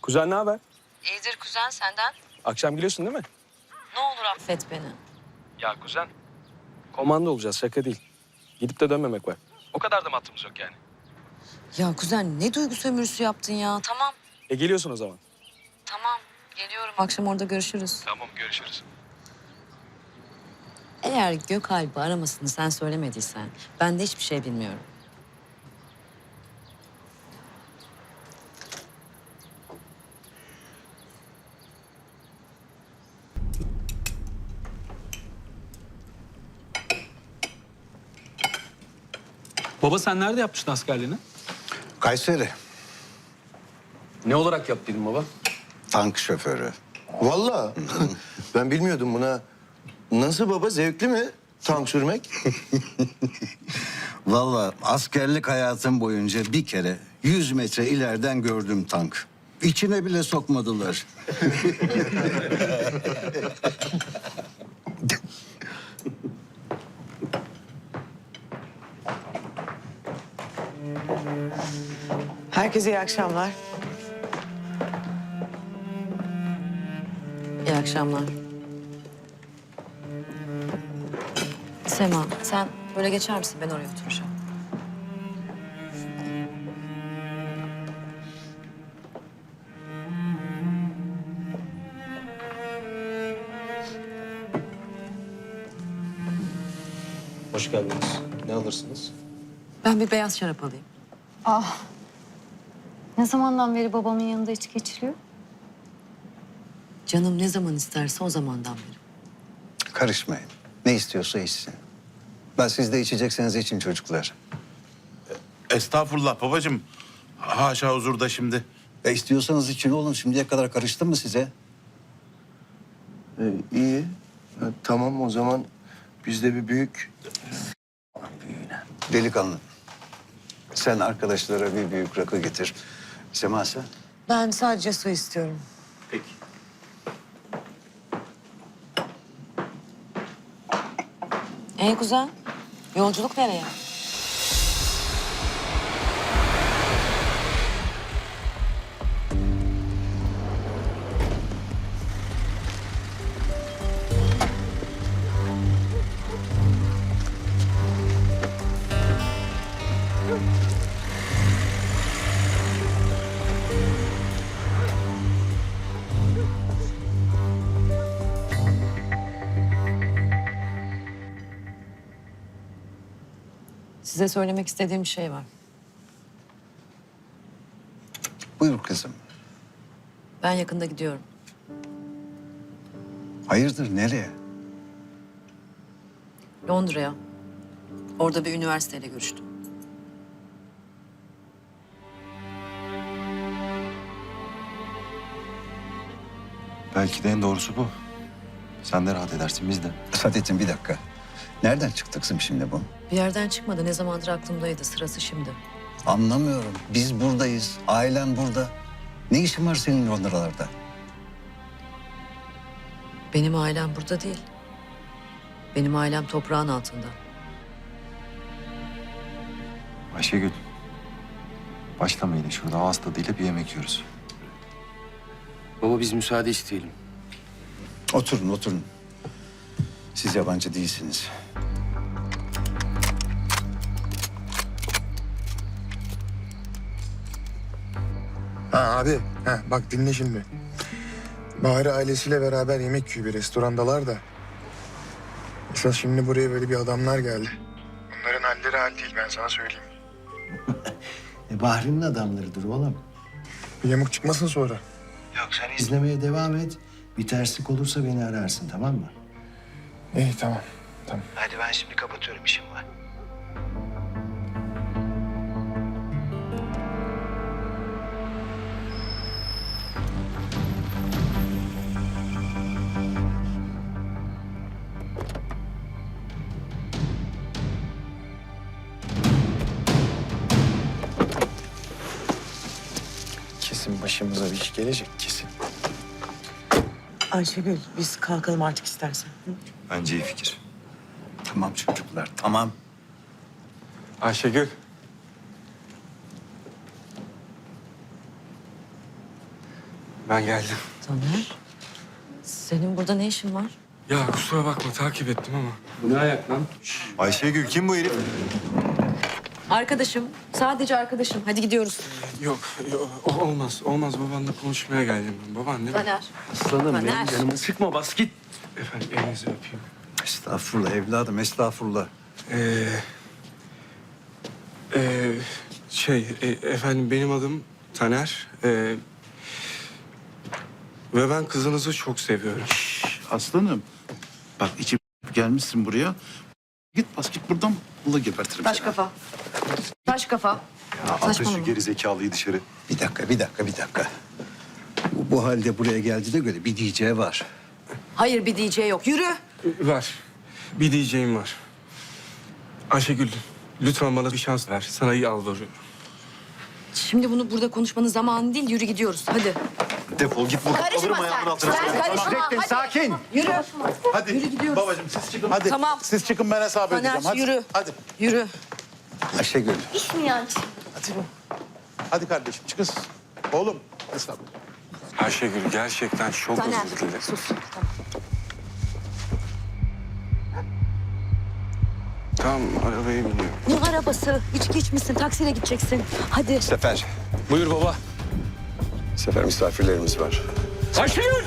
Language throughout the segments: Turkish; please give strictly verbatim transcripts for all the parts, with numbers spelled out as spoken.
Kuzen ne haber? İyidir kuzen, senden. Akşam geliyorsun değil mi? Ne olur affet beni. Ya kuzen. Komando olacağız, şaka değil. Gidip de dönmemek var. O kadar da mı hattımız yok yani? Ya kuzen ne duygu sömürüsü yaptın ya. Tamam. E geliyorsun o zaman. Tamam. Geliyorum. Akşam orada görüşürüz. Tamam, görüşürüz. Eğer Gökalp'i aramasını sen söylemediysen ben de hiçbir şey bilmiyorum. Baba sen nerede yapmıştın askerliğini? Kayseri, Ne olarak yaptıydın baba? tank şoförü. Vallahi ben bilmiyordum buna. Nasıl baba, zevkli mi tank sürmek? Vallahi askerlik hayatım boyunca bir kere yüz metre ileriden gördüm tank. İçine bile sokmadılar. Herkese iyi akşamlar. İyi akşamlar. Sema sen böyle geçer misin? Ben oraya oturacağım. Hoş geldiniz. Ne alırsınız? Ben bir beyaz şarap alayım. Ah. Ne zamandan beri babamın yanında içki içiliyor? Canım ne zaman isterse o zamandan beri. Karışmayın. Ne istiyorsa içsin. Ben siz de içecekseniz için çocuklar. Estağfurullah babacığım. Haşa huzurda şimdi. E istiyorsanız için oğlum. Şimdiye kadar karıştım mı size? Ee, iyi. Ha, tamam o zaman biz de bir büyük... Delikanlı. Sen arkadaşlara bir büyük rakı getir. Sema sen? Ben sadece su istiyorum. Peki. Ee kuzen, yolculuk nereye? Size söylemek istediğim bir şey var. Buyur kızım. Ben yakında gidiyorum. Hayırdır nereye? Londra'ya. Orada bir üniversiteyle görüştüm. Belki de en doğrusu bu. Sen de rahat edersin, biz de. Saadettin bir dakika. Nereden çıktı kızım şimdi bu? Bir yerden çıkmadı. Ne zamandır aklımdaydı. Sırası şimdi. Anlamıyorum. Biz buradayız. Ailen burada. Ne işin var senin Londralarda? Benim ailem burada değil. Benim ailem toprağın altında. Ayşegül. Başlama yine şurada. Ağız tadıyla bir yemek yiyoruz. Baba biz müsaade isteyelim. Oturun, oturun. Siz yabancı değilsiniz. Ha abi, ha, bak dinle şimdi. Bahri ailesiyle beraber yemek yiyor bir restorandalar da. Esas şimdi buraya böyle bir adamlar geldi. Bunların halleri hal değil, ben sana söyleyeyim. E, Bahri'nin adamlarıdır oğlum. Bir yamuk çıkmasın sonra. Yok sen izlemeye devam et. Bir terslik olursa beni ararsın tamam mı? İyi tamam, tamam. Hadi ben şimdi kapatıyorum işim var. Kesin başımıza bir iş gelecek, kesin. Ayşegül biz kalkalım artık istersen. Hı? Bence iyi fikir. Tamam çocuklar, tamam. Ayşegül. Ben geldim. Taner, senin burada ne işin var? Ya kusura bakma takip ettim ama. Bu ne ayak lan? Ayşegül kim bu herif? Arkadaşım, sadece arkadaşım. Hadi gidiyoruz. Yok, yok olmaz. Olmaz babanla konuşmaya geldim ben. Baban değil mi? Taner. Aslanım Taner. benim canımı sıkma bas git. Efendim elinizi öpeyim. Estağfurullah evladım, estağfurullah. Ee, e, şey e, efendim benim adım Taner. Ee, ve ben kızınızı çok seviyorum. Aslanım. Bak içim gelmişsin buraya. Git bas git buradan. Bunu gebertirim. Taş seni. kafa. Taş kafa. Ya atın Saçmalama. şu geri zekalıyı dışarı. Bir dakika, bir dakika, bir dakika. Bu, bu halde buraya geldiğine göre bir diyeceği var. Hayır, bir diyeceği yok. Yürü. Ee, Var. Bir diyeceğim var. Ayşegül lütfen bana bir şans ver. Sana yalvarıyorum. Şimdi bunu burada konuşmanın zamanı değil. Yürü gidiyoruz. Hadi. Defol git buradan. Karışma Alırım sen. ayağımın altına. Sen karışma. Hadi. Sakin. Yürü. Hadi Yürü gidiyoruz. babacığım siz çıkın. Hadi. Tamam. Siz çıkın ben hesap Taner, edeceğim. Hadi. yürü. Hadi. Yürü. Ayşegül, İş mi yani? Hadi kardeşim çıkın siz. Oğlum hesap. Ayşegül gerçekten çok Taner. özür dilerim. Sus. Tamam. Tamam arabaya biniyorum. Ne arabası? İçki içmişsin. Taksiyle gideceksin. Hadi. Sefer. Buyur baba. Sefer misafirlerimiz var. Ayşegül!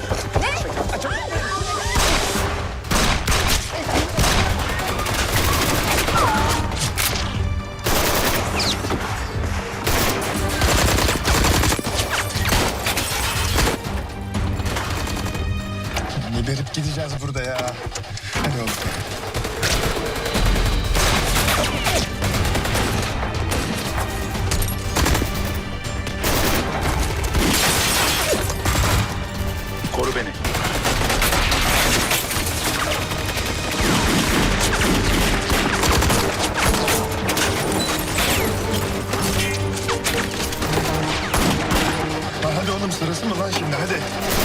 Geberip gideceğiz burada ya. Hadi oğlum. Koru beni. Ha, hadi oğlum sırası mı lan şimdi hadi.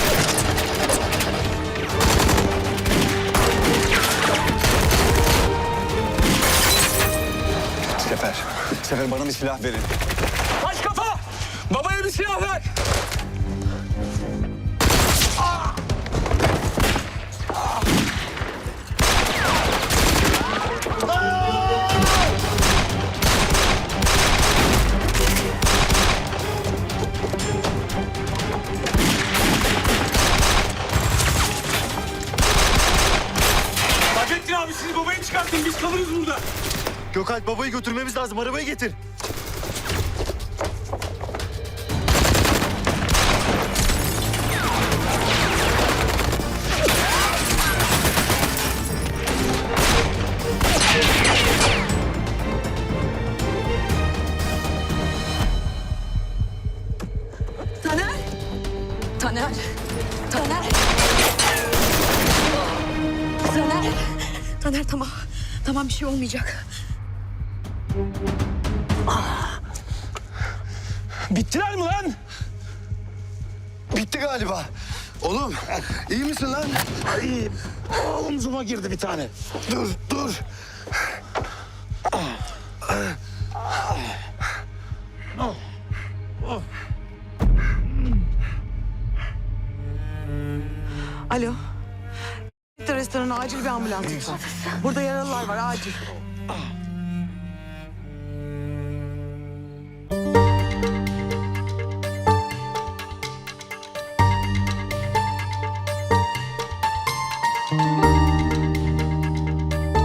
Sefer. Sefer bana bir silah verin. Taş kafa! Babaya bir silah ver! Fahrettin abi siz babayı çıkartın biz kalırız burada. Gökalp babayı götürmemiz lazım. Arabayı getir. Taner. Taner. Taner. Taner. Taner tamam. Tamam bir şey olmayacak. Bittiler mi lan? Bitti galiba. Oğlum iyi misin lan? İyiyim. Omzuma girdi bir tane. Dur dur. Alo. Restorana acil bir ambulans lütfen. Burada yaralılar var acil.